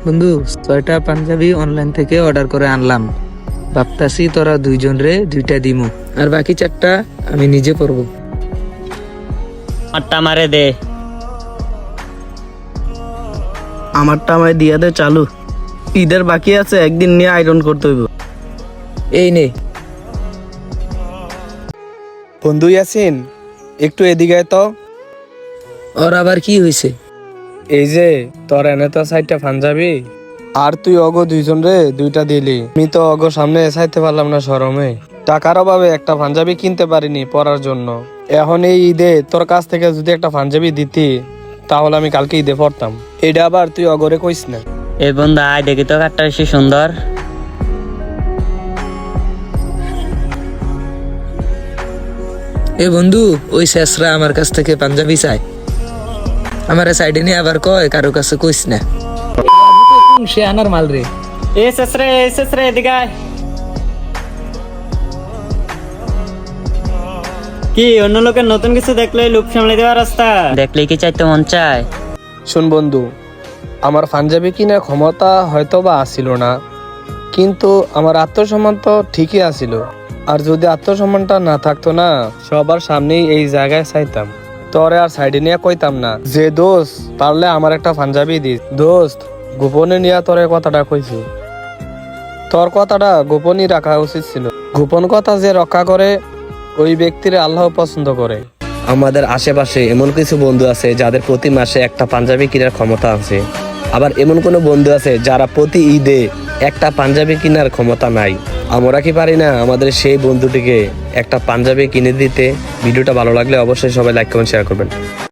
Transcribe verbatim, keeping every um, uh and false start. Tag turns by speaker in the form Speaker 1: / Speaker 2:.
Speaker 1: বন্ধু, ছয়টা পাঞ্জাবি অনলাইন থেকে অর্ডার করে আনলাম। ভাবতাছি তোরা দুইজন রে দুইটা দিমু, আর বাকি চারটা আমি নিজে পরবো।
Speaker 2: আটটা মারে দে।
Speaker 3: আমারটা আমায় দিয়া দে চালু। ঈদের বাকি আছে, একদিন নিয়ে আয়রন করতে হইব।
Speaker 1: এই নে।
Speaker 4: বন্ধু ইয়াসিন, একটু এদিকে আয় তো।
Speaker 1: ওর আবার কি হয়েছে?
Speaker 4: এই যে তোর এনে তো সাইডটা পাঞ্জাবি, আর তুই অগো দুইজন রে দুইটা দিলি। আমি তো অগো সামনে চাইতে পারলাম না শরমে। টাকার অভাবে একটা পাঞ্জাবি কিনতে পারিনি পরার জন্য। এখন এই ঈদে তোর কাছ থেকে যদি একটা পাঞ্জাবি দিতি, তাহলে আমি কালকে ঈদে পড়তাম। এটা আবার তুই অগরে কইস না।
Speaker 2: এই বন্ধু আয় দেখি তো কাঠটা বেশি সুন্দর।
Speaker 1: এ বন্ধু, ওই শেষরা আমার কাছ থেকে পাঞ্জাবি চাই। আমার সাইডে নিয়ে আবার কয় কারো কাছে কইস না। সে আনার মাল রে।
Speaker 2: এ শেষরে এ শেষরে এদিকে আয়। কি অন্য লোকের নতুন কিছু দেখলে লুপ সামলে দেওয়ার রাস্তা দেখলে কি চাইতে মন চায়?
Speaker 4: শোন বন্ধু, আমার পাঞ্জাবি কিনার ক্ষমতা হয়তো বা আসিল না, কিন্তু আমার আত্মসম্মান তো ঠিকই আসিল। আর যদি আত্মসম্মানটা না থাকতো না, সবার সামনেই এই জায়গায় চাইতাম। তোরে আর সাইডে নিয়ে কইতাম না যে দোস্ত পারলে আমার একটা পাঞ্জাবি দিস। দোস্ত গোপনে নিয়ে তোর কথাটা কইছি। তোর কথাটা গোপনই রাখা উচিত ছিল। গোপন কথা যে রক্ষা করে ওই ব্যক্তির আল্লাহ পছন্দ করে।
Speaker 5: আমাদের আশেপাশে এমন কিছু বন্ধু আছে যাদের প্রতি মাসে একটা পাঞ্জাবি কেনার ক্ষমতা আছে, আবার এমন কোনো বন্ধু আছে যারা প্রতি ঈদে একটা পাঞ্জাবি কেনার ক্ষমতা নাই। আমরা কি পারি না আমাদের সেই বন্ধুটিকে একটা পাঞ্জাবি কিনে দিতে? ভিডিওটা ভালো লাগলে অবশ্যই সবাই লাইক কমেন্ট শেয়ার করবেন।